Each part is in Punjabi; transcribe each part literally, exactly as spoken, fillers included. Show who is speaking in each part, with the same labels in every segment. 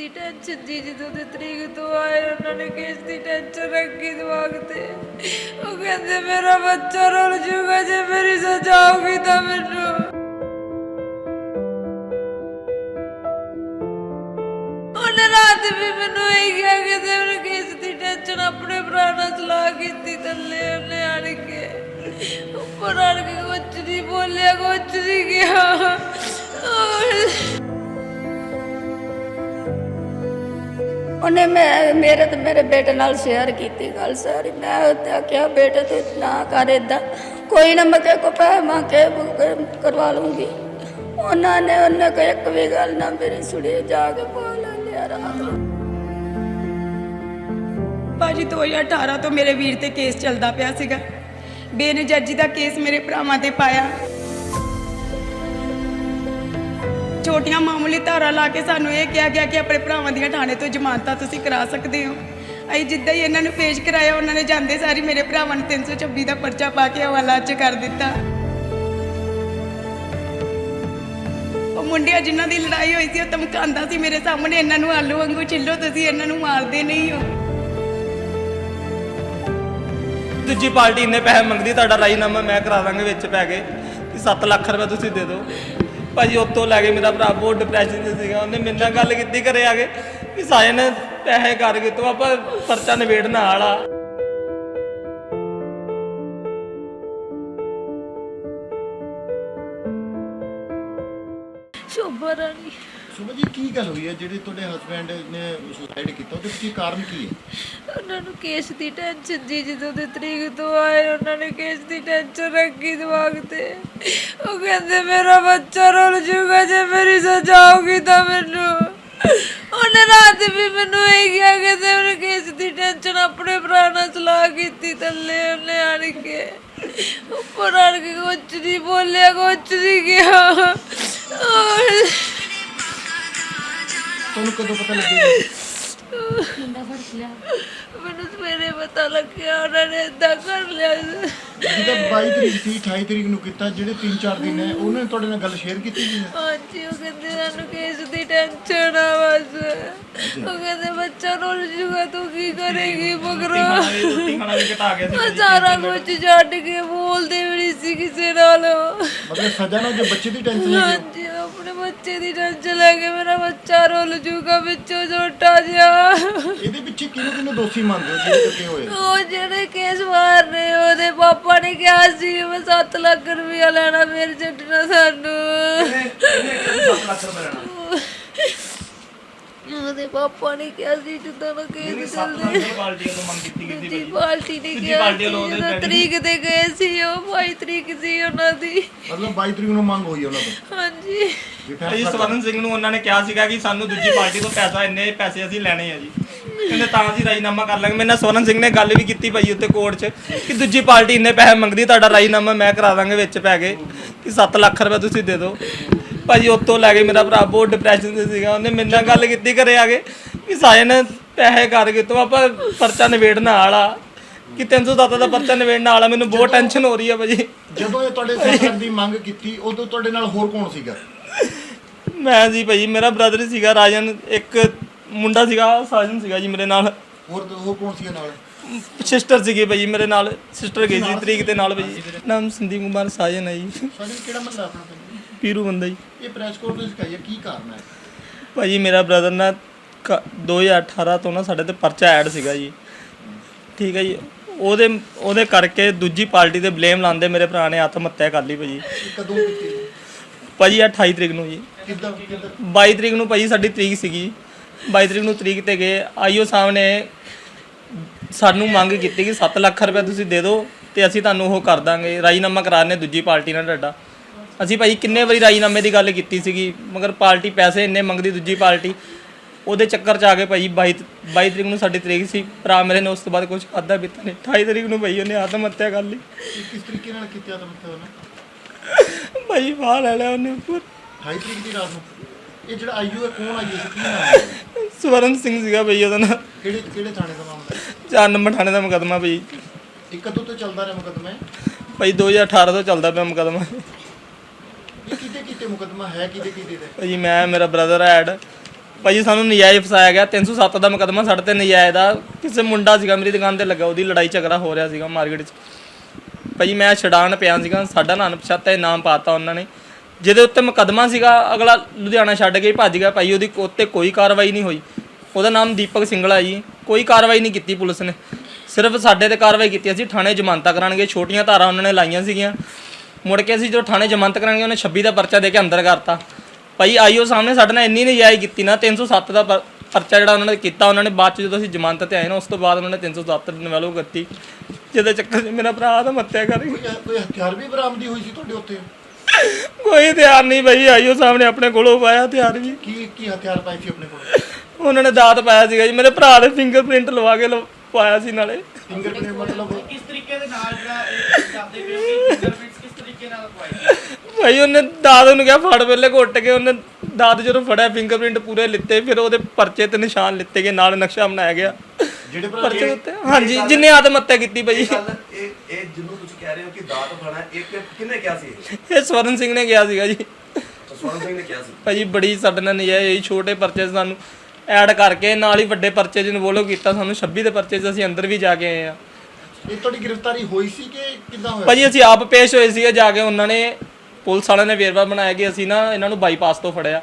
Speaker 1: ਦੀ ਟੈਨਸ਼ਨ ਜੀ ਜਦੋਂ ਦੇ ਤਰੀਕ ਤੋਂ ਆਏ ਉਹਨਾਂ ਨੇ ਕੇਸ ਦੀ ਟੈਨਸ਼ਨ ਰੱਖੀ ਦਿਮਾਗ ਤੇ। ਉਹ ਕਹਿੰਦੇ ਮੇਰਾ ਬੱਚਾ ਰੁੱਲ ਜੂਗਾ ਜੇ ਮੇਰੀ ਸਜ਼ਾ ਹੋਊਗੀ ਤਾਂ ਮੈਨੂੰ। ਉਹਨੇ ਰਾਤ ਵੀ ਮੈਨੂੰ ਇਹ ਕਿਹਾ ਕਿ ਤੇ ਉਹਨੇ ਕੇਸ ਦੀ ਟੈਨਸ਼ਨ ਆਪਣੇ ਭਰਾ ਨਾਲ ਸਲਾਹ ਕੀਤੀ ਥੱਲੇ ਉਹਨੇ ਆਣ ਕੇ ਉੱਪਰ ਆਣ ਕੇ ਕੁਛ ਨਹੀਂ ਬੋਲਿਆ ਕੁਛ ਨਹੀਂ ਕਿਹਾ। ਉਹਨੇ ਮੈਂ ਮੇਰੇ ਤੇ ਮੇਰੇ ਬੇਟੇ ਨਾਲ ਸ਼ੇਅਰ ਕੀਤੀ ਗੱਲ ਸਾਰੀ। ਮੈਂ ਉਹਤੇ ਆਖਿਆ ਬੇਟੇ ਤੂੰ ਨਾ ਕਰ ਏਦਾਂ, ਕੋਈ ਨਾ ਮੈਂ ਕਿਸੇ ਕੋ ਪੈਸੇ ਮੰਗ ਕੇ ਕਰਵਾ ਲੂੰਗੀ। ਉਹਨਾਂ ਨੇ ਉਹਨੇ ਕੋਈ ਇੱਕ ਵੀ ਗੱਲ ਨਾ ਮੇਰੀ ਸੁਣੀ, ਜਾ ਕੇ ਬੋਲ ਲਿਆ ਰਾਤ ਨੂੰ।
Speaker 2: ਭਾਜੀ ਦੋ ਹਜ਼ਾਰ ਅਠਾਰਾਂ ਤੋਂ ਮੇਰੇ ਵੀਰ ਤੇ ਕੇਸ ਚੱਲਦਾ ਪਿਆ ਸੀਗਾ। ਬੇਨਜਾਜੀ ਦਾ ਕੇਸ ਮੇਰੇ ਭਰਾਵਾਂ ਤੇ ਪਾਇਆ। ਛੋਟੀਆਂ ਮਾਮੂਲੀ ਧਾਰਾ ਲਾ ਕੇ ਸਾਨੂੰ ਇਹ ਕਿਹਾ ਗਿਆ ਕਿ ਆਪਣੇ ਭਰਾਵਾਂ ਦੀਆਂ ਥਾਣੇ ਤੋਂ ਜ਼ਮਾਨਤਾਂ ਤੁਸੀਂ ਕਰਾ ਸਕਦੇ ਹੋ। ਅਸੀਂ ਜਿੱਦਾਂ ਹੀ ਇਹਨਾਂ ਨੂੰ ਪੇਸ਼ ਕਰਾਇਆ ਉਹਨਾਂ ਨੇ ਜਾਂਦੇ ਸਾਰੀ ਮੇਰੇ ਭਰਾਵਾਂ ਨੂੰ ਤਿੰਨ ਸੌ ਛੱਬੀ ਦਾ ਪਰਚਾ ਪਾ ਕੇ ਹਵਾਲਾ 'ਚ ਕਰ ਦਿੱਤਾ। ਉਹ ਮੁੰਡਿਆਂ ਜਿਨ੍ਹਾਂ ਦੀ ਲੜਾਈ ਹੋਈ ਸੀ ਉਹ ਧਮਕਾਉਂਦਾ ਸੀ ਮੇਰੇ ਸਾਹਮਣੇ, ਇਹਨਾਂ ਨੂੰ ਆਲੂ ਵਾਂਗੂ ਛਿੱਲੋ, ਤੁਸੀਂ ਇਹਨਾਂ ਨੂੰ ਮਾਰਦੇ ਨਹੀਂ ਹੋ।
Speaker 3: ਦੂਜੀ ਪਾਰਟੀ ਇੰਨੇ ਪੈਸੇ ਮੰਗਦੀ, ਤੁਹਾਡਾ ਰਾਜੀਨਾਮਾ ਮੈਂ ਕਰਾ ਦਾਂਗੇ ਵਿੱਚ ਪੈ ਕੇ ਕਿ ਸੱਤ ਲੱਖ ਰੁਪਏ ਤੁਸੀਂ ਦੇ ਦਿਓ। ਭਾਜੀ ਉੱਤੋਂ ਲੈ ਕੇ ਮੇਰਾ ਭਰਾ ਬਹੁਤ ਡਿਪਰੈਸ਼ਨ 'ਚ ਸੀਗਾ। ਉਹਨੇ ਮੇਰੇ ਨਾਲ ਗੱਲ ਕੀਤੀ ਘਰੇ ਆ ਕੇ ਕਿ ਸਾਜਨ ਪੈਸੇ ਕਰਕੇ ਤੂੰ ਆਪਾਂ ਪਰਚਾ ਨਿਬੇੜਨ ਵਾਲਾ।
Speaker 1: ਸ਼ੋਭਾ ਰਾਣੀ।
Speaker 4: ਸ਼ੋਭਾ ਜੀ ਕੀ ਗੱਲ ਹੋਈ ਹੈ ਜਿਹੜੇ ਤੁਹਾਡੇ ਹਸਬੈਂਡ ਨੇ ਸੁਸਾਈਡ ਕੀਤਾ, ਉਹਦੇ ਪਿੱਛੇ ਕਾਰਨ ਕੀ ਹੈ?
Speaker 1: ਉਹਨਾਂ ਨੂੰ ਕੇਸ ਦੀ ਟੈਨਸ਼ਨ ਜੀ ਜਦੋਂ ਦੇ ਤਰੀਕ ਤੋਂ ਆਏ ਉਹਨਾਂ ਨੇ ਕੇਸ ਦੀ ਟੈਨਸ਼ਨ ਰੱਖੀ ਦਿਮਾਗ ਤੇ। ਉਹ ਕਹਿੰਦੇ ਮੇਰਾ ਬੱਚਾ ਰੁੱਲ ਜੂਗਾ ਜੇ ਮੇਰੀ ਸਜ਼ਾ ਹੋਊਗੀ ਤਾਂ ਮੈਨੂੰ। ਉਹਨੇ ਰਾਤ ਵੀ ਮੈਨੂੰ ਇਹ ਕਿਹਾ ਕਿ ਤੇ ਉਹਨੇ ਕੇਸ ਦੀ ਟੈਨਸ਼ਨ ਆਪਣੇ ਭਰਾ ਨਾਲ ਸਲਾਹ ਕੀਤੀ ਥੱਲੇ ਉਹਨੇ ਆਣ ਕੇ ਉੱਪਰ ਆਣ ਕੇ ਕੁਛ ਨਹੀਂ ਬੋਲਿਆ ਕੁਛ ਨਹੀਂ ਕਿਹਾ।
Speaker 4: ਤੁਹਾਨੂੰ ਕਦੋਂ ਪਤਾ ਲੱਗਿਆ?
Speaker 1: ਮੈਨੂੰ ਸਵੇਰੇ ਪਤਾ ਲੱਗਿਆ ਉਹਨਾਂ ਨੇ ਏਦਾਂ ਕਰ ਲਿਆ।
Speaker 4: ਜਿਹਦਾ ਬਾਈ ਤਰੀਕ ਸੀ ਅਠਾਈ ਤਰੀਕ ਨੂੰ ਕੀਤਾ, ਜਿਹੜੇ ਤਿੰਨ ਚਾਰ ਦਿਨ ਹੈ ਉਹਨਾਂ ਨੇ ਤੁਹਾਡੇ ਨਾਲ ਗੱਲ ਸ਼ੇਅਰ ਕੀਤੀ ਸੀ?
Speaker 1: ਹਾਂਜੀ, ਉਹ ਕਹਿੰਦੇ ਸਾਨੂੰ ਕੇਸ ਦੀ ਟੈਨਸ਼ਨ ਆ ਬਸ। ਉਹ ਕਹਿੰਦੇ ਬੱਚਾ ਰੁੱਲ ਜੂਗਾ ਤੂੰ ਕੀ ਕਰੇਗੀ ਮਗਰੋਂ। ਸਾਰਾ ਕੁਝ ਛੱਡ ਕੇ ਬੋਲਦੇ ਵੀ ਨਹੀਂ ਸੀ ਕਿਸੇ ਨਾਲ।
Speaker 4: ਮਤਲਬ ਸਜ਼ਾ ਨਾਲ ਜੋ ਬੱਚੇ ਦੀ ਟੈਨਸ਼ਨ ਹੈ?
Speaker 1: ਹਾਂਜੀ, ਆਪਣੇ ਬੱਚੇ ਦੀ ਟੈਨਸ਼ਨ ਲੈ ਕੇ ਮੇਰਾ ਬੱਚਾ ਰੁੱਲ ਜੂਗਾ ਵਿੱਚੋਂ ਛੋਟਾ ਜਿਹਾ।
Speaker 4: ਇਹਦੇ ਪਿੱਛੇ ਕਿਹਨੂੰ ਕਿਹਨੂੰ ਦੋਸ਼ੀ ਮੰਨਦੇ ਹੋ ਜਿਹੜੇ ਕੱਟੇ ਹੋਏ?
Speaker 1: ਉਹ ਜਿਹੜੇ ਕੇਸ ਮਾਰ ਰਹੇ ਉਹਦੇ ਪਾਪਾ ਨੇ ਕਿਹਾ ਸੀ ਮੈਂ ਸੱਤ ਲੱਖ ਰੁਪਇਆ ਲੈਣਾ, ਫਿਰ ਛੱਡਣਾ ਸਾਨੂੰ। ਉਹਦੇ ਪਾਪਾ ਨੇ ਕਿਹਾ ਸੀ ਜਦੋਂ ਨਾ ਕੇਸ ਚੱਲਦੇ ਦੂਜੀ ਪਾਰਟੀ ਨੇ ਕਿਹਾ ਸੀ ਜਦੋਂ ਤਰੀਕ ਤੇ ਗਏ ਸੀ। ਉਹ ਬਾਈ ਤਰੀਕ ਸੀ ਉਹਨਾਂ ਦੀ।
Speaker 4: ਮਤਲਬ ਬਾਈ ਤਰੀਕ ਨੂੰ ਮੰਗ ਹੋਈ ਉਹਨਾਂ ਤੋਂ?
Speaker 1: ਹਾਂਜੀ।
Speaker 3: ਭਾਈ ਸਵਰਨ ਸਿੰਘ ਨੂੰ ਉਹਨਾਂ ਨੇ ਕਿਹਾ ਸੀਗਾ ਕਿ ਸਾਨੂੰ ਦੂਜੀ ਪਾਰਟੀ ਤੋਂ ਪੈਸਾ ਇੰਨੇ ਪੈਸੇ ਅਸੀਂ ਲੈਣੇ ਆ ਜੀ, ਕਹਿੰਦੇ ਤਾਂ ਅਸੀਂ ਰਾਜੀਨਾਮਾ ਕਰ ਲਾਂਗੇ। ਮੇਰੇ ਨਾਲ ਸਵਰਨ ਸਿੰਘ ਨੇ ਗੱਲ ਵੀ ਕੀਤੀ ਭਾਈ ਉੱਤੇ ਕੋਰਟ 'ਚ ਕਿ ਦੂਜੀ ਪਾਰਟੀ ਇੰਨੇ ਪੈਸੇ ਮੰਗਦੀ, ਤੁਹਾਡਾ ਰਾਜੀਨਾਮਾ ਮੈਂ ਕਰਾ ਦਾਂਗੇ ਵਿੱਚ ਪੈ ਕੇ ਕਿ ਸੱਤ ਲੱਖ ਰੁਪਏ ਤੁਸੀਂ ਦੇ ਦਿਓ। ਭਾਜੀ ਉੱਤੋਂ ਲੈ ਕੇ ਮੇਰਾ ਭਰਾ ਬਹੁਤ ਡਿਪਰੈਸ਼ਨ 'ਚ ਸੀਗਾ। ਉਹਨੇ ਮੇਰੇ ਨਾਲ ਗੱਲ ਕੀਤੀ ਘਰੇ ਆ ਕੇ ਕਿ ਸਾਜਨ ਪੈਸੇ ਕਰਕੇ ਤੂੰ ਆਪਾਂ ਪਰਚਾ ਨਿਬੇੜਨ ਵਾਲਾ ਕਿ ਤਿੰਨ ਸੌ ਸੱਤ ਦਾ ਪਰਚਾ ਨਿਬੇੜਨ ਵਾਲਾ। ਮੈਨੂੰ ਬਹੁਤ ਟੈਨਸ਼ਨ ਹੋ ਰਹੀ ਹੈ ਭਾਜੀ।
Speaker 4: ਜਦੋਂ ਇਹ ਤੁਹਾਡੇ ਸਰਕਾਰ ਦੀ ਮੰਗ ਕੀਤੀ ਉਦੋਂ ਤੁਹਾਡੇ ਨਾਲ ਹੋਰ ਕੌਣ ਸੀਗਾ?
Speaker 3: ਮੈਂ ਜੀ ਭਾਜੀ ਮੇਰਾ ਬ੍ਰਦਰ ਸੀਗਾ ਰਾਜਨ, ਇੱਕ ਮੁੰਡਾ ਸੀਗਾ ਸਾਜਨ ਸੀਗਾ ਜੀ ਮੇਰੇ ਨਾਲ।
Speaker 4: ਹੋਰ ਹੋਰ ਕੌਣ ਸੀਗਾ ਨਾਲ?
Speaker 3: ਸਿਸਟਰ ਸੀਗੀ ਭਾਜੀ ਮੇਰੇ ਨਾਲ, ਸਿਸਟਰ ਗਈ ਸੀ ਤਰੀਕ ਦੇ ਨਾਲ ਭਾਜੀ। ਨਾਮ ਸੰਦੀਪ ਕੁਮਾਰ ਸਾਜਨ ਹੈ ਜੀ।
Speaker 4: ਸਾਜਨ ਕਿਹੜਾ ਮਹੱਲਾ ਆਪਣਾ?
Speaker 3: ਪੀਰੂ ਬੰਦਾ ਜੀ।
Speaker 4: ਇਹ ਪ੍ਰੈਸ ਕਾਨਫਰੰਸ ਕਰਾਈ ਕੀ ਕਾਰਨ ਹੈ?
Speaker 3: ਭਾਜੀ ਮੇਰਾ ਬ੍ਰਦਰ ਨਾ ਦੋ ਹਜ਼ਾਰ ਅਠਾਰਾਂ ਤੋਂ ਨਾ ਸਾਡੇ ਤੇ ਪਰਚਾ ਐਡ ਸੀਗਾ ਜੀ, ਠੀਕ ਹੈ ਜੀ। ਉਹਦੇ ਉਹਦੇ ਕਰਕੇ ਦੂਜੀ ਪਾਰਟੀ ਤੇ ਬਲੇਮ ਲਾਉਂਦੇ ਮੇਰੇ ਭਰਾ ਨੇ ਆਤਮ ਹੱਤਿਆ ਕਰ ਲਈ ਭਾਜੀ।
Speaker 4: ਕਦੋਂ ਕੀਤੀ
Speaker 3: ਭਾਜੀ ਅਠਾਈ ਤਰੀਕ ਨੂੰ ਜੀ।
Speaker 4: ਕਿੱਦਾਂ?
Speaker 3: ਬਾਈ ਤਰੀਕ ਨੂੰ ਭਾਜੀ ਸਾਡੀ ਤਰੀਕ ਸੀਗੀ। ਬਾਈ ਤਰੀਕ ਨੂੰ ਤਰੀਕ ਤੇ ਗਏ। ਆਈਓ ਸਾਹਿਬ ਨੇ ਸਾਨੂੰ ਮੰਗ ਕੀਤੀ ਕਿ ਸੱਤ ਲੱਖ ਰੁਪਏ ਤੁਸੀਂ ਦੇ ਦਿਓ ਤੇ ਅਸੀਂ ਤੁਹਾਨੂੰ ਉਹ ਕਰ ਦਾਂਗੇ, ਰਾਜੀਨਾਮਾ ਕਰਾਣੇ ਦੂਜੀ ਪਾਰਟੀ ਨਾਲ ਤੁਹਾਡਾ। ਅਸੀਂ ਭਾਈ ਕਿੰਨੇ ਵਾਰੀ ਰਾਜੀਨਾਮੇ ਦੀ ਗੱਲ ਕੀਤੀ ਸੀਗੀ, ਮਗਰ ਪਾਰਟੀ ਪੈਸੇ ਇੰਨੇ ਮੰਗਦੀ ਦੂਜੀ ਪਾਰਟੀ। ਉਹਦੇ ਚੱਕਰ 'ਚ ਆ ਕੇ ਭਾਈ ਬਾਈ ਬਾਈ ਤਰੀਕ ਨੂੰ ਸਾਡੀ ਤਰੀਕ ਸੀ। ਭਰਾ ਮੇਰੇ ਨੇ ਉਸ ਤੋਂ ਬਾਅਦ ਕੁਝ ਖਾਧਾ ਪੀਤਾ ਨਹੀਂ। ਅਠਾਈ ਤਰੀਕ ਨੂੰ ਭਾਈ ਉਹਨੇ ਆਤਮ ਹੱਤਿਆ ਕਰ ਲਈ।
Speaker 4: ਕਿਸ ਤਰੀਕੇ ਨਾਲ ਕੀਤੀ ਆਤਮ ਹੱਤਿਆ ਉਹਨੇ?
Speaker 3: ਭਾਈ ਬਾਹਰ ਲੈ ਲਿਆ ਉਹਨੇ ਉੱਪਰ।
Speaker 4: ਅਠਾਈ ਤਰੀਕ ਦੀ ਰਾਤ ਨੂੰ? ਇਹ ਜਿਹੜਾ ਆਈਓ ਹੈ ਕੌਣ ਆਈਓ ਸੀ, ਕੀ ਨਾਮ ਹੈ?
Speaker 3: ਸਵਰਨ ਸਿੰਘ ਸੀਗਾ ਭਾਈ ਉਹਦਾ ਨਾਂ।
Speaker 4: ਕਿਹੜੇ ਕਿਹੜੇ ਥਾਣੇ ਦਾ ਮਾਮਲਾ?
Speaker 3: ਚਾਰ ਨੰਬਰ ਥਾਣੇ ਦਾ ਮੁਕੱਦਮਾ ਭਾਈ।
Speaker 4: ਇਹ ਕਦੋਂ ਤੋਂ ਚੱਲਦਾ ਰਿਹਾ ਮੁਕੱਦਮਾ?
Speaker 3: ਭਾਈ ਦੋ ਹਜ਼ਾਰ ਅਠਾਰਾਂ ਤੋਂ ਚੱਲਦਾ ਪਿਆ ਮੁਕੱਦਮਾ।
Speaker 4: ਇਹ ਕਿਤੇ ਕਿਤੇ ਮੁਕੱਦਮਾ ਹੈ, ਕਿਤੇ ਕਿਤੇ ਦਾ?
Speaker 3: ਭਾਜੀ ਮੈਂ ਮੇਰਾ ਬ੍ਰਦਰ ਐਡ ਭਾਜੀ ਸਾਨੂੰ ਨਜਾਇਜ਼ ਫਸਾਇਆ ਗਿਆ। ਤਿੰਨ ਸੌ ਸੱਤ ਦਾ ਮੁਕੱਦਮਾ ਸਾਡੇ ਤੇ ਨਜਾਇਜ਼ ਦਾ। ਕਿਸੇ ਮੁੰਡਾ ਸੀਗਾ ਮੇਰੀ ਦੁਕਾਨ ਤੇ ਲੱਗਾ, ਉਹਦੀ ਲੜਾਈ ਝਗੜਾ ਹੋ ਰਿਹਾ ਸੀਗਾ ਮਾਰਕੀਟ 'ਚ। ਭਾਜੀ ਮੈਂ ਛਡਾਣ ਪਿਆ ਸੀਗਾ, ਸਾਡਾ ਨਾਂ ਅਣਪਛਾਤਾ ਨਾਮ ਪਾਤਾ ਉਹਨਾਂ ਨੇ, ਜਿਹਦੇ ਉੱਤੇ ਮੁਕੱਦਮਾ ਸੀਗਾ। ਅਗਲਾ ਲੁਧਿਆਣਾ ਛੱਡ ਕੇ ਭੱਜ ਗਿਆ ਭਾਈ, ਉਹਦੀ ਉੱਤੇ ਕੋਈ ਕਾਰਵਾਈ ਨਹੀਂ ਹੋਈ। ਉਹਦਾ ਨਾਮ ਦੀਪਕ ਸਿੰਗਲਾ ਜੀ। ਕੋਈ ਕਾਰਵਾਈ ਨਹੀਂ ਕੀਤੀ ਪੁਲਿਸ ਨੇ, ਸਿਰਫ ਸਾਡੇ ਤੇ ਕਾਰਵਾਈ ਕੀਤੀ। ਅਸੀਂ ਥਾਣੇ ਜ਼ਮਾਨਤਾਂ ਕਰਾਂਗੇ, ਛੋਟੀਆਂ ਧਾਰਾਂ ਉਹਨਾਂ ਨੇ ਲਾਈਆਂ ਸੀਗੀਆਂ। ਮੁੜ ਕੇ ਅਸੀਂ ਜਦੋਂ ਥਾਣੇ ਜ਼ਮਾਨਤ ਕਰਾਂਗੇ ਉਹਨੇ ਛੱਬੀ ਦਾ ਪਰਚਾ ਦੇ ਕੇ ਅੰਦਰ ਕਰਤਾ। ਭਾਈ ਆਈਓ ਸਾਹਮਣੇ ਸਾਡੇ ਨਾਲ ਇੰਨੀ ਨਜਾਇਜ਼ ਕੀਤੀ ਨਾ, ਤਿੰਨ ਸੌ ਸੱਤ ਦਾ ਪ- ਪਰਚਾ ਜਿਹੜਾ ਉਹਨਾਂ ਨੇ ਕੀਤਾ। ਉਹਨਾਂ ਨੇ ਬਾਅਦ 'ਚ ਜਦੋਂ ਅਸੀਂ ਜ਼ਮਾਨਤ ਤੇ ਆਏ ਨਾ, ਉਸ ਤੋਂ ਬਾਅਦ ਉਹਨਾਂ ਨੇ ਤਿੰਨ ਸੌ ਸੱਤ ਡਿਵੈਲਪ ਕਰਤੀ, ਜਿਹਦੇ ਚੱਕਰ 'ਚ ਮੇਰਾ ਭਰਾ ਦਾ ਮੱਤਿਆ ਕਰ ਗਿਆ।
Speaker 4: ਕੋਈ ਕੋਈ ਹਥਿਆਰ ਵੀ ਬਰਾਮਦੀ ਹੋਈ ਸੀ ਤੁਹਾਡੇ ਉੱਤੇ?
Speaker 3: ਕੋਈ ਹਥਿਆਰ ਨਹੀਂ ਭਾਈ, ਆਈਓ ਸਾਹਮਣੇ ਆਪਣੇ ਕੋਲੋਂ ਪਾਇਆ ਹਥਿਆਰ ਵੀ।
Speaker 4: ਕੀ ਕੀ ਹਥਿਆਰ ਪਾਏ ਸੀ ਆਪਣੇ ਕੋਲ?
Speaker 3: ਉਹਨਾਂ ਨੇ ਦਾਤ ਪਾਇਆ ਸੀਗਾ ਜੀ, ਮੇਰੇ ਭਰਾ ਦੇ ਫਿੰਗਰਪ੍ਰਿੰਟ ਲਵਾ ਕੇ ਲਵਾ- ਪਾਇਆ ਸੀ ਨਾਲੇ।
Speaker 4: ਫਿੰਗਰਪ੍ਰਿੰਟ ਮਤਲਬ
Speaker 5: ਕਿਸ ਤਰੀਕੇ ਦੇ ਨਾਲ ਜਿਹੜਾ ਇਹ ਕਰਦੇ ਪਏ ਹੋ ਕਿ ਫਿੰਗਰਪ੍ਰਿੰਟਸ ਕਿਸ ਤਰੀਕੇ ਨਾਲ ਲਗਵਾਏ
Speaker 3: ਭਾਈ ਉਹਨੇ ਦਾਦ ਨੂੰ ਕਿਹਾ ਫੜ ਪਹਿਲੇ ਘੁੱਟ ਕੇ, ਉਹਨੇ ਦਾਦ ਜਦੋਂ ਫੜਿਆ ਫਿੰਗਰਪ੍ਰਿੰਟ ਪੂਰੇ ਲਿੱਤੇ, ਫਿਰ ਉਹਦੇ ਪਰਚੇ ਤੇ ਨਿਸ਼ਾਨ ਲਿੱਤੇ ਗਏ, ਨਾਲ ਨਕਸ਼ਾ ਬਣਾਇਆ ਗਿਆ
Speaker 4: ਜਿਹੜੇ ਭਰਾ
Speaker 3: ਪਰਚੇ ਉੱਤੇ। ਹਾਂਜੀ, ਜਿੰਨੇ ਆਤਮ ਹੱਤਿਆ ਕੀਤੀ ਭਾਈ।
Speaker 6: ਇਹ ਗੱਲ ਇਹ ਇਹ ਜਿਹਨੂੰ ਤੁਸੀਂ ਕਹਿ ਰਹੇ ਹੋ ਕਿ ਦਾਤ ਫੜਾ, ਇਹ ਕਿ- ਕਿਹਨੇ ਕਿਹਾ ਸੀ ਇਹ?
Speaker 3: ਇਹ ਸਵਰਨ ਸਿੰਘ ਨੇ ਕਿਹਾ ਸੀਗਾ ਜੀ।
Speaker 6: ਸਵਰਨ ਸਿੰਘ ਨੇ ਕਿਹਾ ਸੀ।
Speaker 3: ਭਾਜੀ ਬੜੀ ਸਾਡੇ ਨਾਲ ਨਜਾਇਜ਼ ਛੋਟੇ ਪਰਚੇ 'ਚ ਸਾਨੂੰ ਐਡ ਕਰਕੇ ਨਾਲ ਹੀ ਵੱਡੇ ਪਰਚੇ 'ਚ ਇਨਵੋਲਵ ਕੀਤਾ। ਸਾਨੂੰ ਛੱਬੀ ਦੇ ਪਰਚੇ 'ਚ ਅਸੀਂ ਅੰਦਰ ਵੀ ਜਾ ਕੇ ਆਏ ਆ।
Speaker 4: ਇਹ ਤੁਹਾਡੀ ਗ੍ਰਿਫਤਾਰੀ ਹੋਈ ਸੀ ਕਿ ਕਿੱਦਾਂ ਹੋਇਆ?
Speaker 3: ਭਾਜੀ ਅਸੀਂ ਆਪ ਪੇਸ਼ ਹੋਏ ਸੀਗੇ ਜਾ ਕੇ। ਉਹਨਾਂ ਨੇ ਪੁਲਿਸ ਵਾਲਿਆਂ ਨੇ ਵੇਰਵਾ ਬਣਾਇਆ ਕਿ ਅਸੀਂ ਨਾ ਇਹਨਾਂ ਨੂੰ ਬਾਈਪਾਸ ਤੋਂ ਫੜਿਆ।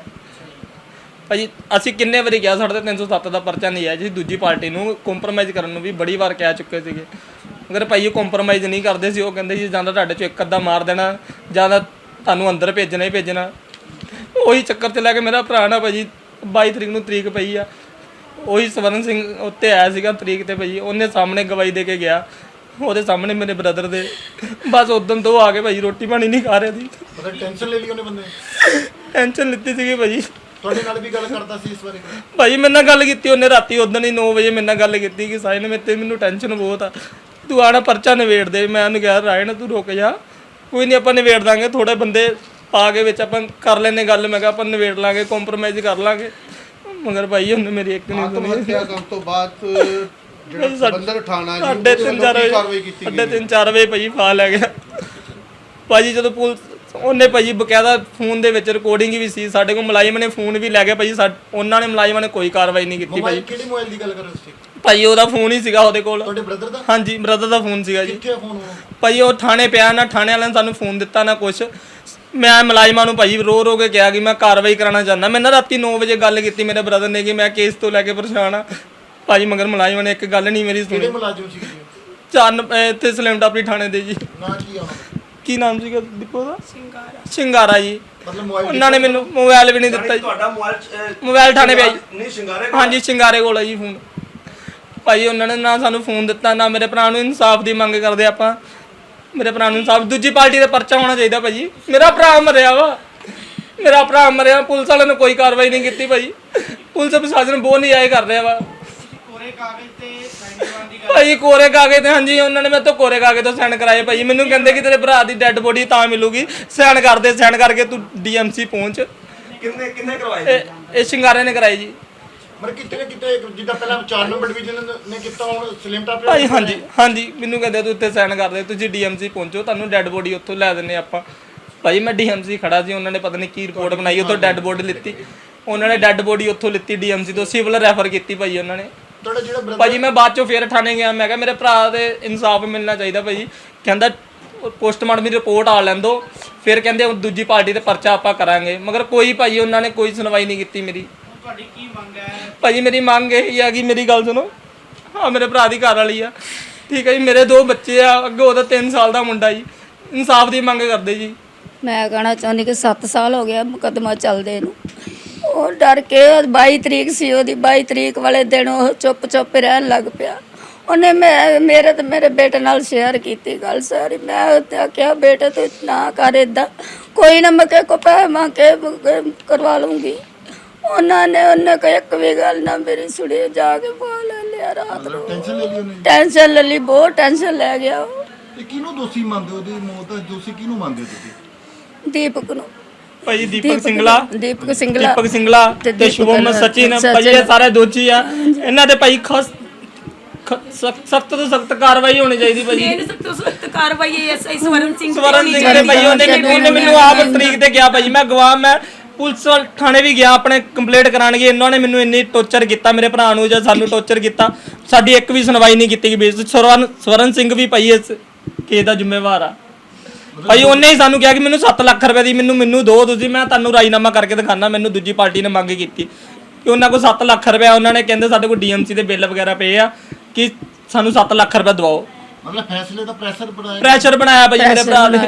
Speaker 3: ਭਾਜੀ ਅਸੀਂ ਕਿੰਨੇ ਵਾਰੀ ਕਿਹਾ ਸਾਡੇ ਤੇ ਤਿੰਨ ਸੌ ਸੱਤ ਦਾ ਪਰਚਾ ਨਹੀਂ ਹੈ ਜੀ। ਦੂਜੀ ਪਾਰਟੀ ਨੂੰ ਕੰਪਰੋਮਾਈਜ਼ ਕਰਨ ਨੂੰ ਵੀ ਬੜੀ ਵਾਰ ਕਹਿ ਚੁੱਕੇ ਸੀਗੇ, ਅਗਰ ਭਾਈ ਉਹ ਕੰਪਰੋਮਾਈਜ਼ ਨਹੀਂ ਕਰਦੇ ਸੀ। ਉਹ ਕਹਿੰਦੇ ਸੀ ਜਾਂ ਤਾਂ ਤੁਹਾਡੇ 'ਚੋਂ ਇੱਕ ਅੱਧਾ ਮਾਰ ਦੇਣਾ, ਜਾਂ ਤਾਂ ਤੁਹਾਨੂੰ ਅੰਦਰ ਭੇਜਣਾ ਹੀ ਭੇਜਣਾ। ਉਹੀ ਚੱਕਰ 'ਚ ਲੈ ਕੇ ਮੇਰਾ ਭਰਾ ਨਾ ਭਾਜੀ ਬਾਈ ਤਰੀਕ ਨੂੰ ਤਰੀਕ ਪਈ ਆ, ਉਹੀ ਸਵਰਨ ਸਿੰਘ ਉੱਤੇ ਆਇਆ ਸੀਗਾ ਤਰੀਕ ਤੇ ਭਾਜੀ। ਉਹਨੇ ਸਾਹਮਣੇ ਗਵਾਹੀ ਦੇ ਕੇ ਗਿਆ, ਉਹਦੇ ਸਾਹਮਣੇ ਮੇਰੇ ਬ੍ਰਦਰ ਦੇ। ਬਸ ਉਦੋਂ ਤੋਂ ਆ ਕੇ ਭਾਜੀ ਰੋਟੀ ਪਾਣੀ ਨਹੀਂ ਖਾ ਰਿਹਾ ਸੀ।
Speaker 4: ਮਤਲਬ ਟੈਨਸ਼ਨ ਲੈ ਲਈ ਉਹਨੇ ਬੰਦੇ ਨੇ?
Speaker 3: ਟੈਨਸ਼ਨ ਲਿੱਤੀ ਸੀਗੀ ਭਾਜੀ।
Speaker 4: ਤੁਹਾਡੇ ਨਾਲ ਵੀ ਗੱਲ ਕਰਦਾ ਸੀ ਇਸ ਬਾਰੇ?
Speaker 3: ਭਾਜੀ ਮੇਰੇ ਨਾਲ ਗੱਲ ਕੀਤੀ ਉਹਨੇ ਰਾਤੀ, ਉਦੋਂ ਹੀ ਨੌ ਵਜੇ ਮੇਰੇ ਨਾਲ ਗੱਲ ਕੀਤੀ ਕਿ ਸਾਹਿਲ ਮੇਰੇ ਤੇ ਮੈਨੂੰ ਟੈਨਸ਼ਨ ਬਹੁਤ ਆ, ਤੂੰ ਆਣਾ ਪਰਚਾ ਨਿਬੇੜ ਦੇ। ਮੈਂ ਉਹਨੂੰ ਕਿਹਾ ਰਾਇਣ ਤੂੰ ਰੁਕ ਜਾ, ਕੋਈ ਨਹੀਂ ਆਪਾਂ ਨਿਬੇੜ ਦਾਂਗੇ, ਥੋੜੇ ਬੰਦੇ ਪਾ ਕੇ ਵਿੱਚ ਆਪਾਂ ਕਰ ਲੈਨੇ ਗੱਲ। ਮੈਂ ਕਿਹਾ ਆਪਾਂ ਨਿਬੇੜ ਲਾਂਗੇ, ਕੰਪਰੋਮਾਈਜ਼ ਕਰ ਲਾਂਗੇ। ਮਗਰ ਭਾਈ ਉਹਨੇ ਮੇਰੀ ਇੱਕ ਨਹੀਂ
Speaker 7: ਆਤਮ
Speaker 3: ਸੁਣੀ।
Speaker 7: ਹੱਤਿਆ ਕਰਨ ਤੋਂ ਬਾਅਦ ਜਿਹੜਾ ਸੰਬੰਧਤ ਥਾਣਾ ਜੀ
Speaker 3: ਸਾਢੇ
Speaker 7: ਉਹਦੇ
Speaker 3: ਤਿੰਨ
Speaker 7: ਵੱਲੋਂ
Speaker 3: ਚਾਰ
Speaker 7: ਕੀ
Speaker 3: ਵਜੇ
Speaker 7: ਕਾਰਵਾਈ ਕੀਤੀ
Speaker 3: ਸਾਢੇ
Speaker 7: ਗਈ?
Speaker 3: ਤਿੰਨ ਚਾਰ ਵਜੇ ਭਾਜੀ ਫਾ ਲੈ ਗਿਆ ਭਾਜੀ। ਜਦੋਂ ਪੁਲਿਸ ਉਹਨੇ ਭਾਜੀ ਬਕਾਇਦਾ ਫੋਨ ਦੇ ਵਿੱਚ ਰਿਕਾਰਡਿੰਗ ਵੀ ਸੀ, ਸਾਡੇ ਕੋਲ ਮੁਲਾਜ਼ਮ ਨੇ ਫੋਨ ਵੀ ਲੈ ਗਿਆ ਭਾਜੀ। ਸਾ- ਉਹਨਾਂ ਨੇ ਮੁਲਾਜ਼ਮਾਂ ਨੇ ਕੋਈ ਕਾਰਵਾਈ ਨਹੀਂ ਕੀਤੀ
Speaker 4: ਮੋਬਾਈਲ
Speaker 3: ਭਾਜੀ।
Speaker 4: ਕਿਹੜੇ ਮੋਬਾਈਲ ਦੀ ਗੱਲ ਕਰ ਰਹੇ ਸੀ?
Speaker 3: ਭਾਜੀ ਉਹਦਾ ਫੋਨ ਹੀ ਸੀਗਾ ਉਹਦੇ ਕੋਲ।
Speaker 4: ਤੁਹਾਡੇ ਬ੍ਰਦਰ ਦਾ?
Speaker 3: ਹਾਂਜੀ ਬ੍ਰਦਰ ਦਾ ਫੋਨ ਸੀਗਾ ਜੀ।
Speaker 4: ਕਿੱਥੇ ਆ ਫੋਨ ਉਹ?
Speaker 3: ਭਾਜੀ ਉਹ ਥਾਣੇ ਪਿਆ ਨਾ, ਥਾਣੇ ਵਾਲਿਆਂ ਨੇ ਸਾਨੂੰ ਫੋਨ ਦਿੱਤਾ ਨਾ ਕੁਛ। ਮੈਂ ਮੁਲਾਜ਼ਮਾਂ ਨੂੰ ਭਾਜੀ ਰੋ ਰੋ ਕੇ ਕਿਹਾ ਕਿ ਮੈਂ ਕਾਰਵਾਈ ਕਰਾਉਣਾ ਚਾਹੁੰਦਾ। ਮੈਂ ਨਾ ਰਾਤੀ ਨੌ ਵਜੇ ਗੱਲ ਕੀਤੀ ਮੇਰੇ ਬ੍ਰਦਰ ਨੇ ਕਿ ਮੈਂ ਕੇਸ ਤੋਂ ਲੈ ਕੇ ਪਰੇਸ਼ਾਨ ਆ ਭਾਜੀ, ਮਗਰ ਮੁਲਾਜ਼ਮਾਂ ਨੇ ਇੱਕ ਗੱਲ ਨਹੀਂ ਮੇਰੀ
Speaker 4: ਕਿਹੜੇ
Speaker 3: ਸੁਣੀ।
Speaker 4: ਮੁਲਾਜ਼ਮ ਸੀ ਜੀ?
Speaker 3: ਚੰਨ ਇੱਥੇ ਸਲੇਮ ਟਾਪਰੀ ਥਾਣੇ ਦੇ ਜੀ।
Speaker 4: ਨਾਂ ਕੀ ਆ ਉਹਨਾਂ ਦਾ?
Speaker 3: ਕੀ ਨਾਮ ਸੀਗਾ ਦੀਪੋ ਦਾ? ਸ਼ਿੰਗਾਰਾ ਜੀ।
Speaker 4: ਮਤਲਬ ਮੋਬਾਈਲ
Speaker 3: ਉਹਨਾਂ ਨੇ ਮੈਨੂੰ ਮੋਬਾਈਲ ਵੀ ਨਹੀਂ ਦਿੱਤਾ ਜੀ।
Speaker 6: ਤੁਹਾਡਾ ਮੋਬਾਈਲ ਅਹ,
Speaker 3: ਮੋਬਾਈਲ ਥਾਣੇ ਪਿਆ ਜੀ।
Speaker 6: ਨਹੀਂ ਸ਼ਿੰਗਾਰੇ ਕੋਲ?
Speaker 3: ਹਾਂਜੀ ਸ਼ਿੰਗਾਰੇ ਕੋਲ ਹੈ ਜੀ ਫੋਨ। ਭਾਜੀ ਉਹਨਾਂ ਨੇ ਨਾ ਸਾਨੂੰ ਫੋਨ ਦਿੱਤਾ, ਨਾ ਮੇਰੇ ਭਰਾ ਨੂੰ ਇਨਸਾਫ ਦੀ ਮੰਗ ਕਰਦੇ ਆਪਾਂ। ਮੇਰੇ ਭਰਾ ਨੂੰ ਇਨਸਾਫ, ਦੂਜੀ ਪਾਰਟੀ ਦਾ ਪਰਚਾ ਹੋਣਾ ਚਾਹੀਦਾ ਭਾਜੀ। ਮੇਰਾ ਭਰਾ ਮਰਿਆ ਵਾ, ਮੇਰਾ ਭਰਾ ਮਰਿਆ। ਪੁਲਿਸ ਵਾਲਿਆਂ ਨੇ ਕੋਈ ਕਾਰਵਾਈ ਨਹੀਂ ਕੀਤੀ ਭਾਜੀ। ਪੁਲਿਸ ਪ੍ਰਸ਼ਾਸਨ ਬਹੁਤ ਨਿਆਏ ਕਰ ਰਿਹਾ ਵਾ
Speaker 5: ਕੋਰੇ ਕਾਗਜ਼ ਤੇ ਸਾਈਨ ਕਰਵਾਉਣ ਦੀ ਗੱਲ
Speaker 3: ਭਾਜੀ। ਕੋਰੇ ਕਾਗਜ਼ ਤੇ ਹਾਂਜੀ ਉਹਨਾਂ ਨੇ ਮੇਰੇ ਤੋਂ ਕੋਰੇ ਕਾਗਜ਼ ਤੋਂ ਸਾਈਨ ਕਰਾਏ ਭਾਜੀ। ਮੈਨੂੰ ਕਹਿੰਦੇ ਕਿ ਤੇਰੇ ਭਰਾ ਦੀ ਡੈੱਡ ਬੋਡੀ ਤਾਂ ਮਿਲੂਗੀ, ਸਾਈਨ ਕਰਦੇ, ਸਾਈਨ ਕਰਕੇ ਤੂੰ ਡੀਐਮਸੀ ਪਹੁੰਚ।
Speaker 6: ਕਿੰਨੇ ਕਿੰਨੇ ਕਰਵਾਏ?
Speaker 3: ਇਹ ਇਹ ਸ਼ਿੰਗਾਰੇ ਨੇ ਕਰਾਈ ਜੀ
Speaker 4: ਮਤਲਬ ਕਿਤੇ ਨਾ ਕਿਤੇ ਜਿੱਦਾਂ ਪਹਿਲਾਂ ਚਾਰ ਨੰਬਰ ਡਿਵੀਜ਼ਨ ਨੇ ਕੀਤਾ, ਹੁਣ ਸਲਿਮ ਟਾਪ
Speaker 3: ਭਾਜੀ। ਹਾਂਜੀ ਹਾਂਜੀ ਮੈਨੂੰ ਕਹਿੰਦੇ ਤੂੰ ਉੱਤੇ ਸਾਈਨ ਕਰ ਦੇ, ਤੁਸੀਂ ਡੀਐਮਸੀ ਪਹੁੰਚੋ, ਤੁਹਾਨੂੰ ਡੈੱਡ ਬੋਡੀ ਉੱਥੋਂ ਲੈ ਦਿੰਨੇ ਆਪਾਂ। ਭਾਜੀ ਮੈਂ ਡੀਐਮਸੀ ਖੜਾ ਸੀ, ਉਹਨਾਂ ਨੇ ਪਤਾ ਨਹੀਂ ਕੀ ਰਿਪੋਰਟ ਬਣਾਈ, ਉੱਥੋਂ ਡੈੱਡ ਬੋਡੀ ਲਿੱਤੀ। ਉਹਨਾਂ ਨੇ ਡੈੱਡ ਬੋਡੀ ਉੱਥੋਂ ਲਿੱਤੀ ਡੀਐਮਸੀ ਤੋਂ, ਸਿਵਲ ਰੈਫਰ ਕੀਤੀ ਭਾਜੀ ਉਹਨਾਂ ਨੇ।
Speaker 4: ਤੁਹਾਡਾ ਜਿਹੜਾ ਬ੍ਰਦਰ
Speaker 3: ਭਾਜੀ ਮੈਂ ਬਾਅਦ ਚੋਂ ਫੇਰ ਥਾਣੇ ਗਿਆ, ਮੈਂ ਕਿਹਾ ਮੇਰੇ ਭਰਾ ਦੇ ਇਨਸਾਫ ਮਿਲਣਾ ਚਾਹੀਦਾ ਭਾਜੀ। ਕਹਿੰਦਾ ਪੋਸਟਮਾਰਟਮ ਦੀ ਰਿਪੋਰਟ ਆ ਲੈਣ ਦੋ, ਫਿਰ ਕਹਿੰਦੇ ਦੂਜੀ ਪਾਰਟੀ ਤੇ ਪਰਚਾ ਆਪਾਂ ਕਰਾਂਗੇ। ਮਗਰ ਕੋਈ ਭਾਜੀ ਉਹਨਾਂ ਨੇ ਕੋਈ ਸੁਣਵਾਈ ਨਹੀਂ ਕੀਤੀ ਮੇਰੀ।
Speaker 5: ਤੁਹਾਡੀ ਕੀ ਮੰਗ ਹੈ?
Speaker 3: ਭਾਜੀ ਮੇਰੀ ਮੰਗ ਇਹ ਆ ਕਿ ਮੇਰੀ ਗੱਲ ਸੁਣੋ। ਹਾਂ ਮੇਰੇ ਭਰਾ ਦੀ ਘਰ ਵਾਲੀ ਆ, ਠੀਕ ਹੈ ਜੀ। ਮੇਰੇ ਦੋ ਬੱਚੇ ਆ, ਅੱਗੇ ਉਹਦਾ ਤਿੰਨ ਸਾਲ ਦਾ ਮੁੰਡਾ ਜੀ। ਇਨਸਾਫ ਦੀ ਮੰਗ ਕਰਦੇ ਜੀ।
Speaker 8: ਮੈਂ ਕਹਿਣਾ ਚਾਹੁੰਦੀ ਕਿ ਸੱਤ ਸਾਲ ਹੋ ਗਿਆ ਮੁਕੱਦਮਾ ਚੱਲਦੇ ਨੂੰ। ਉਹ ਡਰ ਕੇ ਬਾਈ ਤਰੀਕ ਸੀ ਉਹਦੀ, ਬਾਈ ਤਰੀਕ ਵਾਲੇ ਦਿਨ ਉਹ ਚੁੱਪ ਚੁੱਪ ਰਹਿਣ ਲੱਗ ਪਿਆ। ਉਹਨੇ ਮੈਂ ਮੇਰੇ ਤੇ ਮੇਰੇ ਬੇਟੇ ਨਾਲ ਸ਼ੇਅਰ ਕੀਤੀ ਗੱਲ ਸਾਰੀ। ਮੈਂ ਉਹਤੇ ਆਖਿਆ ਬੇਟੇ ਤੂੰ ਨਾ ਕਰ ਏਦਾਂ, ਕੋਈ ਨਾ ਮੈਂ ਕਿਹਾ ਕੋ ਪੈਸੇ ਮੰਗ ਕੇ ਕਰਵਾ ਲੂੰਗੀ। ਉਹਨਾਂ ਨੇ ਉਹਨੇ ਕੋਈ ਇੱਕ ਵੀ ਗੱਲ ਨਾ ਮੇਰੀ ਸੁਣੀ, ਜਾ ਕੇ ਪਾ ਲੈ ਲਿਆ ਰਾਤ ਨੂੰ।
Speaker 4: ਟੈਨਸ਼ਨ ਲੈ ਲਈ ਉਹਨੇ?
Speaker 8: ਟੈਨਸ਼ਨ ਲੈ ਲਈ, ਬਹੁਤ ਟੈਨਸ਼ਨ ਲੈ ਗਿਆ ਉਹ।
Speaker 4: ਇਹ ਕਿਹਨੂੰ ਦੋਸ਼ੀ ਮੰਨਦੇ ਹੋ? ਉਹਦੀ ਮੌਤ ਦਾ ਦੋਸ਼ੀ ਕਿਹਨੂੰ ਮੰਨਦੇ ਹੋ ਤੁਸੀਂ?
Speaker 8: ਦੀਪਕ ਨੂੰ।
Speaker 3: ਭਾਜੀ ਦੀਪਕ ਸਿੰਗਲਾ,
Speaker 8: ਦੀਪਕ ਸਿੰਗਲਾ
Speaker 3: ਦੀਪਕ ਸਿੰਗਲਾ ਤੇ ਸ਼ੁਭਮ ਸਚਿਨ ਭਾਜੀ ਇਹ ਸਾਰੇ ਦੋਸ਼ੀ ਆ। ਇਹਨਾਂ ਤੇ ਭਾਈ ਖਸ ਸਖਤ ਤੋਂ ਸਖਤ ਕਾਰਵਾਈ ਹੋਣੀ ਚਾਹੀਦੀ ਭਾਜੀ।
Speaker 2: ਇਹ ਸਖਤ ਤੋਂ ਸਖਤ ਕਾਰਵਾਈ ਐਸਆਈ ਸਵਰਨ ਸਿੰਘ
Speaker 3: ਸਵਰਨ ਸਿੰਘ ਦੇ ਭਾਈ ਉਹਨੇ ਉਹਨੇ ਮੈਨੂੰ ਆਪ ਤਰੀਕ ਤੇ ਗਿਆ ਭਾਜੀ। ਮੈਂ ਗਵਾਹ, ਮੈਂ ਪੁਲਿਸ ਵਾਲ ਥਾਣੇ ਵੀ ਗਿਆ ਆਪਣੇ ਕੰਪਲੇਂਟ ਕਰਾਉਣ ਗਏ, ਇਹਨਾਂ ਨੇ ਮੈਨੂੰ ਇੰਨੀ ਟੌਰਚਰ ਕੀਤਾ ਮੇਰੇ ਭਰਾ ਨੂੰ ਜਾਂ ਸਾਨੂੰ ਟੌਰਚਰ ਕੀਤਾ, ਸਾਡੀ ਇੱਕ ਵੀ ਸੁਣਵਾਈ ਨਹੀਂ ਕੀਤੀ ਗਈ। ਸਵਰਨ ਸਵਰਨ ਸਿੰਘ ਵੀ ਭਾਈ ਇਸ ਕੇਸ ਦਾ ਜ਼ਿੰਮੇਵਾਰ ਆ ਭਾਈ, ਉਹਨੇ ਹੀ ਸਾਨੂੰ ਕਿਹਾ ਕਿ ਮੈਨੂੰ ਸੱਤ ਲੱਖ ਰੁਪਏ ਦੀ ਮੈਨੂੰ ਮੈਨੂੰ ਦਿਓ ਤੁਸੀਂ, ਮੈਂ ਤੁਹਾਨੂੰ ਰਾਜੀਨਾਮਾ ਕਰਕੇ ਦਿਖਾਣਾ। ਮੈਨੂੰ ਦੂਜੀ ਪਾਰਟੀ ਨੇ ਮੰਗ ਕੀਤੀ ਕਿ ਉਹਨਾਂ ਕੋਲ ਸੱਤ ਲੱਖ ਰੁਪਏ, ਉਹਨਾਂ ਨੇ ਕਹਿੰਦੇ ਸਾਡੇ ਕੋਲ ਡੀਐਮਸੀ ਦੇ ਬਿੱਲ ਵਗੈਰਾ ਪਏ ਆ ਕਿ ਸਾਨੂੰ ਸੱਤ ਲੱਖ ਰੁਪਏ ਦਵਾਓ।
Speaker 4: ਮਤਲਬ ਫੈਸਲੇ ਦਾ ਪ੍ਰੈਸ਼ਰ ਬਣਾਇਆ
Speaker 3: ਪ੍ਰੈਸ਼ਰ ਬਣਾਇਆ ਭਾਈ ਮੇਰੇ ਭਰਾ ਨੇ।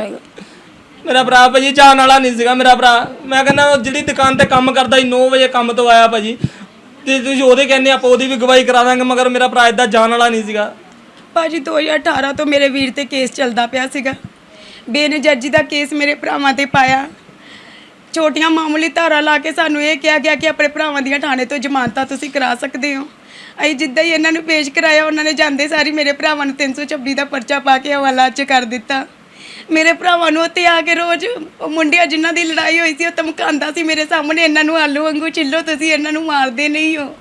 Speaker 3: ਮੇਰਾ ਭਰਾ ਭਾਜੀ ਜਾਣ ਵਾਲਾ ਨਹੀਂ ਸੀਗਾ ਮੇਰਾ ਭਰਾ, ਮੈਂ ਕਹਿੰਦਾ ਜਿਹੜੀ ਦੁਕਾਨ ਤੇ ਕੰਮ ਕਰਦਾ ਸੀ ਨੌ ਵਜੇ ਕੰਮ ਤੋਂ ਆਇਆ ਭਾਜੀ, ਤੇ ਤੁਸੀਂ ਉਹਦੇ ਕਹਿੰਦੇ ਆਪਾਂ ਉਹਦੀ ਵੀ ਗਵਾਹੀ ਕਰਾ ਦਾਂਗੇ, ਮਗਰ ਮੇਰਾ ਭਰਾ ਇਦਾਂ ਜਾਣ ਵਾਲਾ ਨਹੀਂ ਸੀਗਾ।
Speaker 2: ਭਾਜੀ ਦੋ ਹਜ਼ਾਰ ਅਠਾਰਾਂ ਤੋਂ ਮੇਰੇ ਵੀਰ ਤੇ ਕੇਸ ਚੱਲਦਾ ਪਿਆ ਸੀਗਾ, ਬੇਨਜਰਜੀ ਦਾ ਕੇਸ ਮੇਰੇ ਭਰਾਵਾਂ ਤੇ ਪਾਇਆ, ਛੋਟੀਆਂ ਮਾਮੂਲੀ ਧਾਰਾ ਲਾ ਕੇ ਸਾਨੂੰ ਇਹ ਕਿਹਾ ਗਿਆ ਕਿ ਆਪਣੇ ਭਰਾਵਾਂ ਦੀਆਂ ਥਾਣੇ ਤੋਂ ਜ਼ਮਾਨਤਾਂ ਤੁਸੀਂ ਕਰਾ ਸਕਦੇ ਹੋ। ਅਸੀਂ ਜਿੱਦਾਂ ਹੀ ਇਹਨਾਂ ਨੂੰ ਪੇਸ਼ ਕਰਾਇਆ, ਉਹਨਾਂ ਨੇ ਜਾਂਦੇ ਸਾਰੀ ਮੇਰੇ ਭਰਾਵਾਂ ਨੂੰ ਤਿੰਨ ਸੌ ਛੱਬੀ ਦਾ ਪਰਚਾ ਪਾ ਕੇ ਹਵਾਲਾ 'ਚ ਕਰ ਦਿੱਤਾ। ਮੇਰੇ ਭਰਾਵਾਂ ਨੂੰ ਉੱਥੇ ਆ ਕੇ ਰੋਜ਼ ਉਹ ਮੁੰਡਿਆਂ ਜਿਨ੍ਹਾਂ ਦੀ ਲੜਾਈ ਹੋਈ ਸੀ ਉਹ ਧਮਕਾਉਂਦਾ ਸੀ ਮੇਰੇ ਸਾਹਮਣੇ, ਇਹਨਾਂ ਨੂੰ ਆਲੂ ਵਾਂਗੂ ਛਿੱਲੋ, ਤੁਸੀਂ ਇਹਨਾਂ ਨੂੰ ਮਾਰਦੇ ਨਹੀਂ ਹੋ।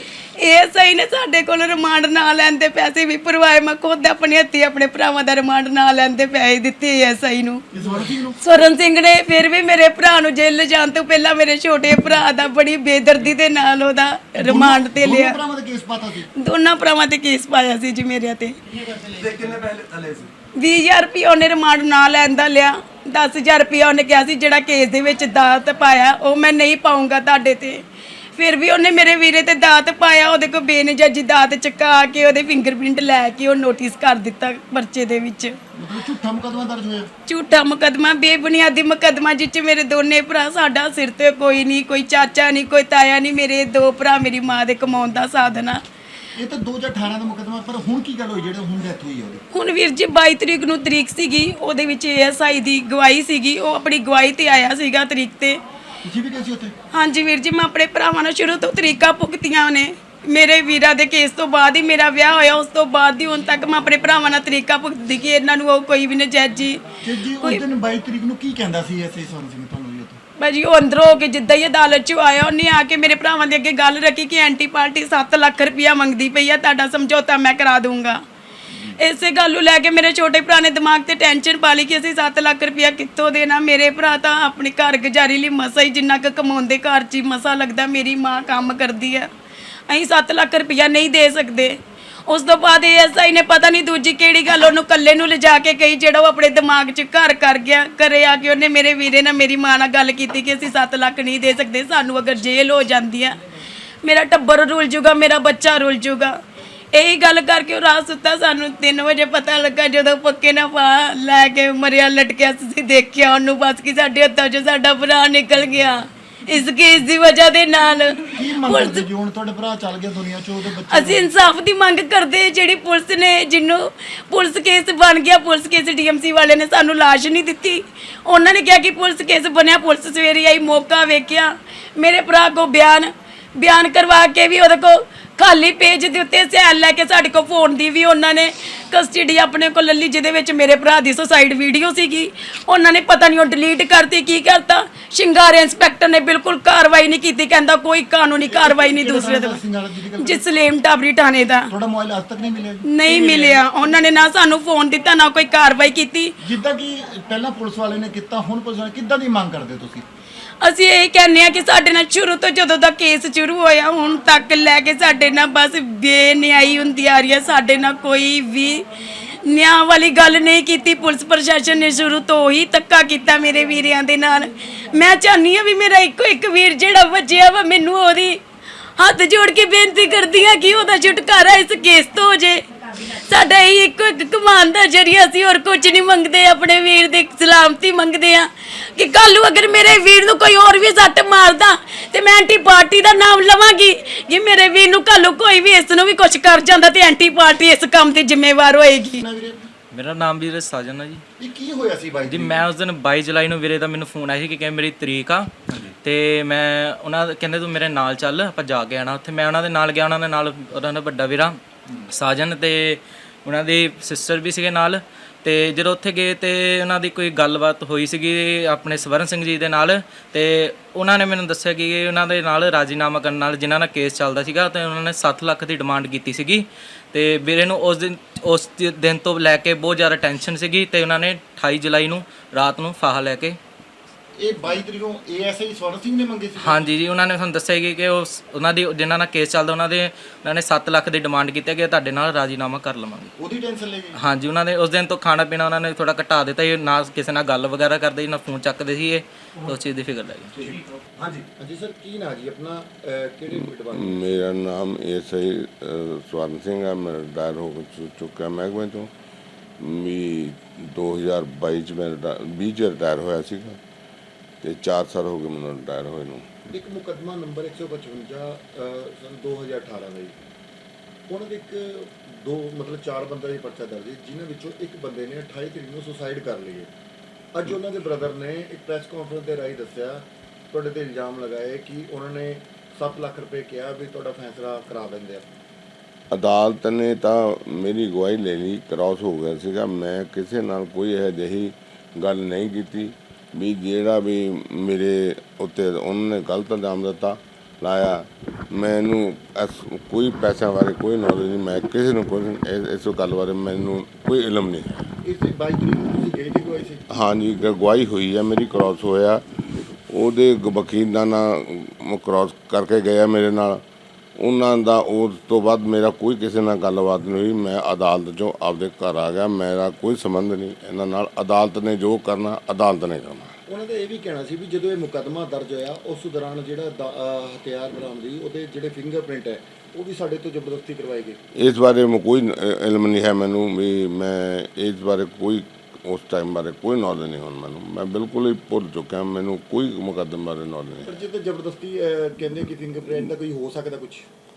Speaker 2: ਇਹ ਸਹੀ ਨੇ ਸਾਡੇ ਕੋਲ ਰਿਮਾਂਡ ਨਾ ਲੈਂਦੇ ਪੈਸੇ ਵੀ ਭਰਵਾਏ, ਮੈਂ ਖੁਦ ਆਪਣੇ ਹੱਥੀਂ ਆਪਣੇ ਭਰਾਵਾਂ ਦਾ ਰਿਮਾਂਡ ਨਾ ਲੈਂਦੇ ਪੈਸੇ ਦਿੱਤੇ ਐ ਸਹੀ ਨੂੰ। ਸਵਰਨ ਸਿੰਘ ਨੇ ਫਿਰ ਵੀ ਮੇਰੇ ਭਰਾ ਨੂੰ ਜੇਲ੍ਹ ਜਾਣ ਤੋਂ ਪਹਿਲਾਂ ਮੇਰੇ ਛੋਟੇ ਭਰਾ ਦਾ ਬੜੀ ਬੇਦਰਦੀ ਦੇ ਨਾਲ ਉਹਦਾ ਰਿਮਾਂਡ ਤੇ ਲਿਆ।
Speaker 4: ਦੋਨੋਂ ਭਰਾਵਾਂ ਦਾ ਕੇਸ ਪਾਤਾ ਸੀ,
Speaker 2: ਦੋਨਾਂ ਭਰਾਵਾਂ ਤੇ ਕੇਸ ਪਾਇਆ ਸੀ ਜੀ ਮੇਰੇ ਤੇ।
Speaker 6: ਤੇ ਕਿੰਨੇ ਪੈਸੇ ਥਲੇ ਸੀ?
Speaker 2: ਵੀਹ ਹਜ਼ਾਰ ਰੁਪਇਆ ਉਹਨੇ ਰਿਮਾਂਡ ਨਾ ਲੈਣ ਦਾ ਲਿਆ, ਦਸ ਹਜ਼ਾਰ ਰੁਪਇਆ ਉਹਨੇ ਕਿਹਾ ਸੀ ਜਿਹੜਾ ਕੇਸ ਦੇ ਵਿੱਚ ਦਾਤ ਪਾਇਆ ਉਹ ਮੈਂ ਨਹੀਂ ਪਾਉਂਗਾ ਤੁਹਾਡੇ ਤੇ। ਫਿਰ ਵੀ ਉਹਨੇ ਮੇਰੇ ਵੀਰੇ ਤੇ ਦਾਤ ਪਾਇਆ, ਉਹਦੇ ਕੋਲ ਬੇਨਜਾਜੀ ਦਾਤ ਚੁਕਾ ਕੇ ਉਹਦੇ ਫਿੰਗਰਪ੍ਰਿੰਟ ਲੈ ਕੇ ਉਹ ਨੋਟਿਸ ਕਰ ਦਿੱਤਾ ਪਰਚੇ ਦੇ ਵਿੱਚ।
Speaker 4: ਮਤਲਬ ਝੂਠਾ ਮੁਕੱਦਮਾ ਦਰਜ ਹੋਇਆ,
Speaker 2: ਝੂਠਾ ਮੁਕੱਦਮਾ, ਬੇਬੁਨਿਆਦੀ ਮੁਕੱਦਮਾ, ਜਿਸ 'ਚ ਮੇਰੇ ਦੋਨੇ ਭਰਾ, ਸਾਡਾ ਸਿਰ ਤੇ ਕੋਈ ਨਹੀਂ, ਕੋਈ ਚਾਚਾ ਨਹੀਂ, ਕੋਈ ਤਾਇਆ ਨਹੀਂ, ਮੇਰੇ ਦੋ ਭਰਾ ਮੇਰੀ ਮਾਂ ਦੇ ਕਮਾਉਣ ਦਾ ਸਾਧਨ ਆ।
Speaker 4: ਇਹ ਤਾਂ ਦੋ ਹਜ਼ਾਰ ਅਠਾਰਾਂ ਦਾ ਮੁਕੱਦਮਾ, ਪਰ ਹੁਣ ਕੀ ਗੱਲ ਹੋਈ ਜਿਹੜੇ ਹੁਣ ਡੈਥ ਹੋਈ ਆ ਉਹਦੀ?
Speaker 2: ਹੁਣ ਵੀਰ ਜੀ ਬਾਈ ਤਰੀਕ ਨੂੰ ਤਰੀਕ ਸੀਗੀ, ਉਹਦੇ ਵਿੱਚ ਏਐਸਆਈ ਦੀ ਗਵਾਹੀ ਸੀਗੀ, ਉਹ ਆਪਣੀ ਗਵਾਹੀ ਤੇ ਆਇਆ ਸੀਗਾ ਤਰੀਕ ਤੇ।
Speaker 4: ਤੁਸੀਂ ਵੀ ਗਏ ਸੀ ਉੱਥੇ?
Speaker 2: ਹਾਂਜੀ ਵੀਰ ਜੀ, ਮੈਂ ਆਪਣੇ ਭਰਾਵਾਂ ਨਾਲ ਸ਼ੁਰੂ ਤੋਂ ਤਰੀਕਾਂ ਭੁਗਤੀਆਂ ਨੇ। ਮੇਰੇ ਵੀਰਾਂ ਦੇ ਕੇਸ ਤੋਂ ਬਾਅਦ ਹੀ ਮੇਰਾ ਵਿਆਹ ਹੋਇਆ, ਉਸ ਤੋਂ ਬਾਅਦ ਹੀ ਹੁਣ ਤੱਕ ਮੈਂ ਆਪਣੇ ਭਰਾਵਾਂ ਨਾਲ ਤਰੀਕਾਂ ਭੁਗਤਦੀ ਕਿ ਇਹਨਾਂ ਨੂੰ ਉਹ ਕੋਈ ਵੀ ਨਜਾਇਜ਼ੀ।
Speaker 4: ਤੇ ਜੀ ਉਸ ਦਿਨ ਬਾਈ ਤਰੀਕ ਨੂੰ ਕੀ ਕਹਿੰਦਾ ਸੀ ਐਸਆਈ ਸਵਰਨ ਸਿੰਘ ਤੁਹਾਨੂੰ ਜੀ ਉੱਥੇ?
Speaker 2: ਭਾਜੀ ਉਹ ਅੰਦਰੋਂ ਹੋ ਕੇ ਜਿੱਦਾਂ ਹੀ ਅਦਾਲਤ 'ਚ ਆਇਆ, ਉਹਨੇ ਆ ਕੇ ਮੇਰੇ ਭਰਾਵਾਂ ਦੇ ਅੱਗੇ ਗੱਲ ਰੱਖੀ ਕਿ ਐਂਟੀ ਪਾਰਟੀ ਸੱਤ ਲੱਖ ਰੁਪਇਆ ਮੰਗਦੀ ਪਈ ਆ, ਤੁਹਾਡਾ ਸਮਝੌਤਾ ਮੈਂ ਕਰਾ ਦੂੰਗਾ। ਇਸੇ ਗੱਲ ਨੂੰ ਲੈ ਕੇ ਮੇਰੇ ਛੋਟੇ ਭਰਾ ਨੇ ਦਿਮਾਗ ਤੇ ਟੈਨਸ਼ਨ ਪਾ ਲਈ ਕਿ ਅਸੀਂ ਸੱਤ ਲੱਖ ਰੁਪਇਆ ਕਿੱਥੋਂ ਦੇਣਾ। ਮੇਰੇ ਭਰਾ ਤਾਂ ਆਪਣੀ ਘਰ ਗੁਜ਼ਾਰੀ ਲਈ ਮਸਾ ਹੀ ਜਿੰਨਾ ਕੁ ਕਮਾਉਂਦੇ, ਘਰ 'ਚ ਹੀ ਮਸਾ ਲੱਗਦਾ, ਮੇਰੀ ਮਾਂ ਕੰਮ ਕਰਦੀ ਆ, ਅਸੀਂ ਸੱਤ ਲੱਖ ਰੁਪਇਆ ਨਹੀਂ ਦੇ ਸਕਦੇ। ਉਸ ਤੋਂ ਬਾਅਦ ਏਐਸਆਈ ਨੇ ਪਤਾ ਨਹੀਂ ਦੂਜੀ ਕਿਹੜੀ ਗੱਲ ਉਹਨੂੰ ਇਕੱਲੇ ਨੂੰ ਲਿਜਾ ਕੇ ਕਹੀ, ਜਿਹੜਾ ਉਹ ਆਪਣੇ ਦਿਮਾਗ 'ਚ ਘਰ ਕਰ ਗਿਆ। ਘਰੇ ਆ ਕੇ ਉਹਨੇ ਮੇਰੇ ਵੀਰੇ ਨਾਲ ਮੇਰੀ ਮਾਂ ਨਾਲ ਗੱਲ ਕੀਤੀ ਕਿ ਅਸੀਂ ਸੱਤ ਲੱਖ ਨਹੀਂ ਦੇ ਸਕਦੇ, ਸਾਨੂੰ ਅਗਰ ਜੇਲ੍ਹ ਹੋ ਜਾਂਦੀ ਆ ਮੇਰਾ ਟੱਬਰ ਰੁਲ ਜੂਗਾ, ਮੇਰਾ ਬੱਚਾ ਰੁਲ ਜੂਗਾ। ਇਹੀ ਗੱਲ ਕਰਕੇ ਉਹ ਰਾਤ ਸੁੱਤਾ, ਸਾਨੂੰ ਤਿੰਨ ਵਜੇ ਪਤਾ ਲੱਗਾ ਜਦੋਂ ਪੱਕੇ ਨਾਲ ਪਾ ਲੈ ਕੇ ਮਰਿਆ ਲਟਕਿਆ, ਅਸੀਂ ਦੇਖਿਆ ਉਹਨੂੰ, ਬਸ ਕਿ ਸਾਡੇ ਹੱਥਾਂ 'ਚੋਂ ਸਾਡਾ ਭਰਾ ਨਿਕਲ ਗਿਆ ਇਸ ਕੇਸ ਦੀ ਵਜ੍ਹਾ ਦੇ ਨਾਲ।
Speaker 4: ਕੀ ਮੰਗ ਕਰਦੇ ਜੀ ਹੁਣ ਤੁਹਾਡੇ ਭਰਾ ਚੱਲ ਗਿਆ ਦੁਨੀਆ ਚੋਂ, ਉਹਦੇ ਬੱਚੇ?
Speaker 2: ਅਸੀਂ ਇਨਸਾਫ ਦੀ ਮੰਗ ਕਰਦੇ, ਜਿਹੜੀ ਪੁਲਿਸ ਨੇ, ਜਿਹਨੂੰ ਪੁਲਿਸ ਕੇਸ ਬਣ ਗਿਆ, ਪੁਲਿਸ ਕੇਸ ਡੀਐਮਸੀ ਵਾਲੇ ਨੇ ਸਾਨੂੰ ਲਾਸ਼ ਨਹੀਂ ਦਿੱਤੀ। ਉਹਨਾਂ ਨੇ ਕਿਹਾ ਕਿ ਪੁਲਿਸ ਕੇਸ ਬਣਿਆ, ਪੁਲਿਸ ਸਵੇਰੇ ਆਈ, ਮੌਕਾ ਵੇਖਿਆ, ਮੇਰੇ ਭਰਾ ਕੋ ਬਿਆਨ ਬਿਆਨ ਕਰਵਾ ਕੇ ਵੀ ਉਹਦੇ ਕੋ ਖਾਲੀ ਪੇਜ ਦੇ ਉੱਤੇ ਸੈਲ ਲੈ ਕੇ ਸਾਡੇ ਕੋਲ ਫੋਨ ਦੀ ਵੀ ਉਹਨਾਂ ਨੇ ਕਸਟਡੀ ਆਪਣੇ ਕੋਲ ਲੱਲੀ, ਜਿਹਦੇ ਵਿੱਚ ਮੇਰੇ ਭਰਾ ਦੀ ਸੁਸਾਈਡ ਵੀਡੀਓ ਸੀਗੀ, ਉਹਨਾਂ ਨੇ ਪਤਾ ਨਹੀਂ ਉਹ ਡਿਲੀਟ ਕਰਤੀ, ਕੀ ਕਰਤਾ। ਸ਼ਿੰਗਾਰੇ ਇੰਸਪੈਕਟਰ ਨੇ ਬਿਲਕੁਲ ਕਾਰਵਾਈ ਨਹੀਂ ਕੀਤੀ, ਕਹਿੰਦਾ ਕੋਈ ਕਾਨੂੰਨੀ ਕਾਰਵਾਈ ਨਹੀਂ ਦੂਸਰੇ ਦੇ। ਜਸਲੀਮ ਟਾਬਰੀ ਥਾਣੇ ਦਾ।
Speaker 4: ਤੁਹਾਡਾ ਮੋਬਾਈਲ ਅੱਜ ਤੱਕ ਨਹੀਂ ਮਿਲਿਆ?
Speaker 2: ਨਹੀਂ ਮਿਲਿਆ, ਉਹਨਾਂ ਨੇ ਨਾ ਸਾਨੂੰ ਫੋਨ ਦਿੱਤਾ, ਨਾ ਕੋਈ ਕਾਰਵਾਈ ਕੀਤੀ।
Speaker 4: ਜਿੱਦਾਂ ਕਿ ਪਹਿਲਾਂ ਪੁਲਿਸ ਵਾਲੇ ਨੇ ਕੀਤਾ, ਹੁਣ ਪੁਲਿਸ ਵਾਲੇ ਕਿੱਦਾਂ ਦੀ ਮੰਗ ਕਰਦੇ ਤੁਸੀਂ?
Speaker 2: ਅਸੀਂ ਇਹ ਕਹਿੰਦੇ ਆ ਕਿ ਸਾਡੇ ਨਾਲ ਸ਼ੁਰੂ ਤੋਂ ਜਦੋਂ ਦਾ ਕੇਸ ਸ਼ੁਰੂ ਹੋਇਆ ਹੁਣ ਤੱਕ ਲੈ ਕੇ ਸਾਡੇ ਨਾਲ ਬਸ ਬੇਨਿਆਈ ਹੁੰਦੀ ਆ ਰਹੀ ਹੈ, ਸਾਡੇ ਨਾਲ ਕੋਈ ਵੀ ਨਿਆਂ ਵਾਲੀ ਗੱਲ ਨਹੀਂ ਕੀਤੀ। ਪੁਲਿਸ ਪ੍ਰਸ਼ਾਸਨ ਨੇ ਸ਼ੁਰੂ ਤੋਂ ਹੀ ਧੱਕਾ ਕੀਤਾ ਮੇਰੇ ਵੀਰਿਆਂ ਦੇ ਨਾਲ। ਮੈਂ ਚਾਹੁੰਦੀ ਆ ਵੀ ਮੇਰਾ ਇੱਕੋ ਇੱਕ ਵੀਰ ਜਿਹੜਾ ਵੱਜਿਆ ਵਾ, ਮੈਨੂੰ ਉਹਦੀ ਹੱਥ ਜੋੜ ਕੇ ਬੇਨਤੀ ਕਰਦੀ ਆ ਕਿ ਉਹਦਾ ਛੁਟਕਾਰਾ ਇਸ ਕੇਸ ਤੋਂ ਹੋ ਜੇ। ਸਾਡਾ ਇਹ ਇੱਕੋ ਇੱਕ ਕਮਾਨ ਦਾ ਜਰੀਆ, ਅਸੀਂ ਹੋਰ ਕੁਝ ਨਹੀਂ ਮੰਗਦੇ, ਆਪਣੇ ਵੀਰ ਦੀ ਸਲਾਮਤੀ ਮੰਗਦੇ ਆ ਕਿ ਕੱਲ ਨੂੰ ਅਗਰ ਮੇਰੇ ਵੀਰ ਨੂੰ ਕੋਈ ਹੋਰ ਵੀ ਸੱਟ ਮਾਰਦਾ ਤੇ ਮੈਂ ਐਂਟੀ ਪਾਰਟੀ ਦਾ ਨਾਮ ਲਵਾਂਗੀ ਕਿ ਮੇਰੇ ਵੀਰ ਨੂੰ ਕੱਲ ਨੂੰ ਕੋਈ ਵੀ ਇਸ ਨੂੰ ਵੀ ਕੁਝ ਕਰ ਜਾਂਦਾ ਤੇ ਐਂਟੀ ਪਾਰਟੀ ਇਸ ਕੰਮ ਤੇ ਜ਼ਿੰਮੇਵਾਰ ਹੋਏਗੀ।
Speaker 9: ਮੇਰਾ ਨਾਮ ਵੀਰੇ ਸਾਜਨ ਆ ਜੀ।
Speaker 4: ਇਹ ਕੀ ਹੋਇਆ ਸੀ ਬਾਈ
Speaker 9: ਜੀ ਮੈਂ ਉਸ ਦਿਨ ਬਾਈ ਜੁਲਾਈ ਨੂੰ ਵੀਰੇ ਦਾ ਮੈਨੂੰ ਫੋਨ ਆਇਆ ਸੀ ਕਿ ਕਹਿੰਦੇ ਮੇਰੀ ਤਰੀਕ ਆ ਤੇ ਮੈਂ ਉਹਨਾਂ ਦੇ ਕਹਿੰਦੇ ਤੂੰ ਮੇਰੇ ਨਾਲ ਚੱਲ, ਆਪਾਂ ਜਾ ਕੇ ਆਣਾ ਉੱਥੇ। ਮੈਂ ਉਹਨਾਂ ਦੇ ਨਾਲ ਗਿਆ, ਉਹਨਾਂ ਦੇ ਨਾਲ ਉਹਨਾਂ ਦਾ ਵੱਡਾ ਵੀਰਾ ਸਾਜਨ ਤੇ ਉਹਨਾਂ ਦੀ ਸਿਸਟਰ ਵੀ ਸੀਗੇ ਨਾਲ। ਤੇ ਜਦੋਂ ਉੱਥੇ ਗਏ ਤੇ ਉਹਨਾਂ ਦੀ ਕੋਈ ਗੱਲਬਾਤ ਹੋਈ ਸੀਗੀ ਆਪਣੇ ਸਵਰਨ ਸਿੰਘ ਜੀ ਦੇ ਨਾਲ, ਤੇ ਉਹਨਾਂ ਨੇ ਮੈਨੂੰ ਦੱਸਿਆ ਕਿ ਉਹਨਾਂ ਦੇ ਨਾਲ ਰਾਜ਼ੀਨਾਮਾ ਕਰਨ ਨਾਲ ਜਿਨ੍ਹਾਂ ਨਾਲ ਕੇਸ ਚੱਲਦਾ ਸੀਗਾ ਤੇ ਉਹਨਾਂ ਨੇ ਸੱਤ ਲੱਖ ਦੀ ਡਿਮਾਂਡ ਕੀਤੀ ਸੀਗੀ। ਤੇ ਵੀਰੇ ਨੂੰ ਉਸ ਦਿਨ ਉਸ ਦਿਨ ਤੋਂ ਲੈ ਕੇ ਬਹੁਤ ਜ਼ਿਆਦਾ ਟੈਨਸ਼ਨ ਸੀਗੀ ਤੇ ਉਹਨਾਂ ਨੇ ਅਠਾਈ ਜੁਲਾਈ ਨੂੰ ਰਾਤ ਨੂੰ ਫਾਹਾ ਲੈ ਕੇ
Speaker 4: ਇਹ ਬਾਈ ਤਰੀਕ ਨੂੰ ਏਐਸਆਈ ਸਵਰਨ ਸਿੰਘ ਨੇ ਮੰਗੇ ਸੀ?
Speaker 9: ਹਾਂਜੀ ਜੀ, ਉਹਨਾਂ ਨੇ ਸਾਨੂੰ ਦੱਸਿਆ ਕਿ ਕਿ ਉਹ ਸ- ਉਹਨਾਂ ਦੀ ਜਿਨ੍ਹਾਂ ਨਾਲ ਕੇਸ ਚੱਲਦਾ ਉਹਨਾਂ ਦੇ ਉਹਨਾਂ ਨੇ ਸੱਤ ਲੱਖ ਦੀ ਡਿਮਾਂਡ ਕੀਤੀ ਕਿ ਤੁਹਾਡੇ ਨਾਲ ਰਾਜੀਨਾਮਾ ਕਰ ਲਵਾਂਗੇ।
Speaker 4: ਉਹਦੀ ਟੈਨਸ਼ਨ ਲੈ ਗਈ?
Speaker 9: ਹਾਂਜੀ, ਉਹਨਾਂ ਨੇ ਉਸ ਦਿਨ ਤੋਂ ਖਾਣਾ ਪੀਣਾ ਉਹਨਾਂ ਨੇ ਥੋੜਾ ਘਟਾ ਦਿੱਤਾ ਜੀ, ਨਾ ਕਿਸੇ ਨਾਲ ਗੱਲ ਵਗੈਰਾ ਕਰਦੇ ਸੀ, ਨਾ ਫੋਨ ਚੱਕਦੇ ਸੀ, ਇਹ ਉਸ ਚੀਜ਼ ਦੀ ਫਿਕਰ ਲੱਗੀ।
Speaker 4: ਹਾਂਜੀ ਹਾਂਜੀ ਸਰ, ਕੀ ਨਾਂ ਜੀ ਆਪਣਾ, ਅਹ, ਕਿਹੜੇ ਡਿਪਾਰਟਮੈਂਟ?
Speaker 10: ਮੇਰਾ ਨਾਮ ਐਸ ਆਈ ਸਵਰਨ ਸਿੰਘ ਹੈ। ਮੈਂ ਰਿਟਾਇਰ ਹੋ ਚੁ- ਚੁੱਕਾ ਮਹਿਕਮੇ ਤੋਂ ਵੀ ਦੋ ਹਜ਼ਾਰ ਬਾਈ ਚ ਮੈਂ ਰਿਟਾ- ਵੀਹ ਚ ਰਿਟਾਇਰ ਹੋਇਆ ਸੀਗਾ ਤੇ ਚਾਰ ਸਾਲ ਹੋ ਗਏ ਮੈਨੂੰ ਰਿਟਾਇਰ ਹੋਏ ਨੂੰ।
Speaker 4: ਇੱਕ ਮੁਕੱਦਮਾ ਨੰਬਰ ਇੱਕ ਸੌ ਪਚਵੰਜਾ ਸਨ ਦੋ ਹਜ਼ਾਰ ਅਠਾਰਾਂ ਦਾ ਜੀ, ਉਹਨਾਂ ਦੇ ਇੱਕ ਦੋ ਮਤਲਬ ਚਾਰ ਬੰਦਾ ਦੀ ਪਰਚਾ ਦਰਜ ਹੈ, ਜਿਨ੍ਹਾਂ ਵਿੱਚੋਂ ਇੱਕ ਬੰਦੇ ਨੇ ਅਠਾਈ ਤਰੀਕ ਨੂੰ ਸੁਸਾਈਡ ਕਰ ਲਈ ਹੈ। ਅੱਜ ਉਹਨਾਂ ਦੇ ਬ੍ਰਦਰ ਨੇ ਇੱਕ ਪ੍ਰੈਸ ਕਾਨਫਰੰਸ ਦੇ ਰਾਹੀਂ ਦੱਸਿਆ, ਤੁਹਾਡੇ ਤੇ ਇਲਜ਼ਾਮ ਲਗਾਏ ਕਿ ਉਹਨਾਂ ਨੇ ਸੱਤ ਲੱਖ ਰੁਪਏ ਕਿਹਾ ਵੀ ਤੁਹਾਡਾ ਫੈਸਲਾ ਕਰਾ ਦਿੰਦੇ ਆ।
Speaker 10: ਅਦਾਲਤ ਨੇ ਤਾਂ ਮੇਰੀ ਗਵਾਹੀ ਲੈ ਲਈ, ਕ੍ਰਾਸ ਹੋ ਗਿਆ ਸੀਗਾ। ਮੈਂ ਕਿਸੇ ਨਾਲ ਕੋਈ ਇਹੋ ਜਿਹੀ ਗੱਲ ਨਹੀਂ ਕੀਤੀ ਵੀ ਜਿਹੜਾ ਵੀ ਮੇਰੇ ਉੱਤੇ ਉਹਨਾਂ ਨੇ ਗਲਤ ਇਲਜ਼ਾਮ ਦਿੱਤਾ ਲਾਇਆ। ਮੈਨੂੰ ਇਸ ਕੋਈ ਪੈਸਿਆਂ ਬਾਰੇ ਕੋਈ ਨੌਲੇਜ ਨਹੀਂ, ਮੈਂ ਕਿਸੇ ਨੂੰ ਕੋਈ ਇਸ- ਇਸ ਗੱਲ ਬਾਰੇ ਮੈਨੂੰ ਕੋਈ ਇਲਮ ਨਹੀਂ ਹੈ।
Speaker 4: ਇਸ ਦੀ ਬਾਈ ਤਰੀਕ ਨੂੰ ਤੁਸੀਂ ਗਏ ਸੀ ਕੋਈ ਸੀ?
Speaker 10: ਹਾਂਜੀ, ਗ- ਗਵਾਹੀ ਹੋਈ ਹੈ ਮੇਰੀ, ਕ੍ਰਾਸ ਹੋਇਆ। ਉਹਦੇ ਗ- ਵਕੀਲਾਂ ਨਾਲ ਕ੍ਰਾਸ ਕਰਕੇ ਗਿਆ ਮੇਰੇ ਨਾਲ, ਉਹਨਾਂ ਦਾ ਉਸ ਤੋਂ ਬਾਅਦ ਮੇਰਾ ਕੋਈ ਕਿਸੇ ਨਾਲ ਗੱਲਬਾਤ ਨਹੀਂ ਹੋਈ। ਮੈਂ ਅਦਾਲਤ 'ਚੋਂ ਆਪਦੇ ਘਰ ਆ ਗਿਆ, ਮੇਰਾ ਕੋਈ ਸੰਬੰਧ ਨਹੀਂ ਇਹਨਾਂ ਨਾਲ। ਅਦਾਲਤ ਨੇ ਜੋ ਕਰਨਾ ਅਦਾਲਤ ਨੇ ਕਰਨਾ।
Speaker 4: ਉਹਨਾਂ ਦਾ ਇਹ ਵੀ ਕਹਿਣਾ ਸੀ ਵੀ ਜਦੋਂ ਇਹ ਮੁਕੱਦਮਾ ਦਰਜ ਹੋਇਆ ਉਸ ਦੌਰਾਨ ਜਿਹੜਾ ਦਾ- ਅਹ ਹਥਿਆਰ ਬਰਾਮਦੀ ਉਹਦੇ ਜਿਹੜੇ ਫਿੰਗਰਪ੍ਰਿੰਟ ਹੈ ਉਹ ਵੀ ਸਾਡੇ ਤੋਂ ਜ਼ਬਰਦਸਤੀ ਕਰਵਾਏ ਗਏ।
Speaker 10: ਇਸ ਬਾਰੇ ਮੈਂ ਕੋਈ ਨ- ਇਲਮ ਨਹੀਂ ਹੈ ਮੈਨੂੰ ਵੀ, ਮੈਂ ਇਸ ਬਾਰੇ ਕੋਈ ਉਸ ਟਾਈਮ ਬਾਰੇ ਕੋਈ ਨੌਲੇਜ ਨਹੀਂ ਹੁਣ ਮੈਨੂੰ। ਮੈਂ ਬਿਲਕੁਲ ਹੀ ਭੁੱਲ ਚੁੱਕਿਆ, ਮੈਨੂੰ ਕੋਈ ਮੁਕੱਦਮੇ ਬਾਰੇ ਨੌਲੇਜ ਨਹੀਂ।
Speaker 4: ਪਰ ਜੇ ਤਾਂ ਜ਼ਬਰਦਸਤੀ ਅਹ, ਕਹਿੰਦੇ ਕਿ ਫਿੰਗਰਪ੍ਰਿੰਟ ਦਾ ਕੋਈ ਹੋ ਸਕਦਾ ਕੁਝ?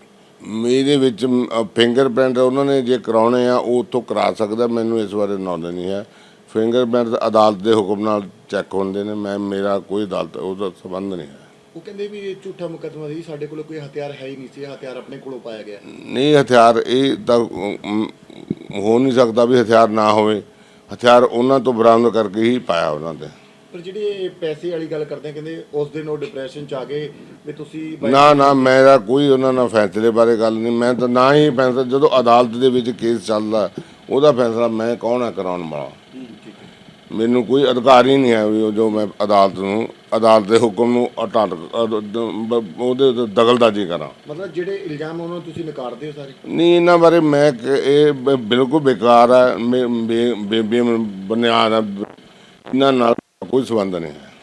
Speaker 10: ਮੇਰੇ ਵਿੱਚ ਫਿੰਗਰਪ੍ਰਿੰਟ ਉਹਨਾਂ ਨੇ ਜੇ ਕਰਾਉਣੇ ਆ ਉਹ ਉੱਥੋਂ ਕਰਾ ਸਕਦਾ, ਮੈਨੂੰ ਇਸ ਬਾਰੇ ਨੌਲੇਜ ਨਹੀਂ ਹੈ। ਫਿੰਗਰਪ੍ਰਿੰਟ ਅਦਾਲਤ ਦੇ ਹੁਕਮ ਨਾਲ ਚੈੱਕ ਹੁੰਦੇ ਨੇ, ਮੈਂ ਮੇਰਾ ਕੋਈ ਅਦਾਲਤ ਉਹਦਾ ਸੰਬੰਧ ਨਹੀਂ ਹੈ।
Speaker 4: ਉਹ ਕਹਿੰਦੇ ਵੀ ਇਹ ਝੂਠਾ ਮੁਕੱਦਮਾ ਸੀ, ਸਾਡੇ ਕੋਲ ਕੋਈ ਹਥਿਆਰ ਹੈ ਹੀ ਨਹੀਂ ਸੀ, ਇਹ ਹਥਿਆਰ ਆਪਣੇ ਕੋਲੋਂ ਪਾਇਆ ਗਿਆ।
Speaker 10: ਨਹੀਂ, ਹਥਿਆਰ ਇਹ ਤਾਂ ਅਮ, ਹੋ ਨਹੀਂ ਸਕਦਾ ਵੀ ਹਥਿਆਰ ਨਾ ਹੋਵੇ। ਹਥਿਆਰ ਉਹਨਾਂ ਤੋਂ ਬਰਾਮਦ ਕਰਕੇ ਹੀ ਪਾਇਆ ਉਹਨਾਂ ਦੇ।
Speaker 4: ਪਰ ਜਿਹੜੇ ਪੈਸੇ ਵਾਲੀ ਗੱਲ ਕਰਦੇ ਆ, ਕਹਿੰਦੇ ਉਸ ਦਿਨ ਉਹ ਡਿਪਰੈਸ਼ਨ ਚ ਆ ਗਏ ਵੀ ਤੁਸੀਂ ਬਾਈ-
Speaker 10: ਨਾ ਨਾ, ਮੇਰਾ ਕੋਈ ਉਹਨਾਂ ਨਾਲ ਫੈਸਲੇ ਬਾਰੇ ਗੱਲ ਨਹੀਂ। ਮੈਂ ਤਾਂ ਨਾ ਹੀ ਫੈਸਲਾ, ਜਦੋਂ ਅਦਾਲਤ ਦੇ ਵਿੱਚ ਕੇਸ ਚੱਲਦਾ ਉਹਦਾ ਫੈਸਲਾ ਮੈਂ ਕੌਣ ਹੈ ਕਰਾਉਣ ਵਾਲਾ। ਮੈਨੂੰ ਕੋਈ ਅਧਿਕਾਰ ਹੀ ਨਹੀਂ ਹੈ ਵੀ ਉਹ ਜੋ ਮੈਂ ਅਦਾਲਤ ਨੂੰ ਅਦਾਲਤ ਦੇ ਹੁਕਮ ਨੂੰ ਹਟਾ ਉਹਦੇ ਉੱਤੇ ਦਖਲਅੰਦਾਜ਼ੀ ਕਰਾਂ।
Speaker 4: ਮਤਲਬ ਜਿਹੜੇ ਇਲਜ਼ਾਮ ਉਹਨਾਂ ਨੂੰ ਤੁਸੀਂ ਨਕਾਰਦੇ ਹੋ ਸਾਰੇ?
Speaker 10: ਨਹੀਂ, ਇਹਨਾਂ ਬਾਰੇ ਮੈਂ ਕ- ਇਹ ਬ- ਬਿਲਕੁਲ ਬੇਕਾਰ ਹੈ, ਬੇ- ਬੇ- ਬੇ- ਬੇ- ਬੁਨਿਆਦ ਹੈ, ਇਹਨਾਂ ਨਾਲ ਕੋਈ ਸੰਬੰਧ ਨਹੀਂ ਹੈ।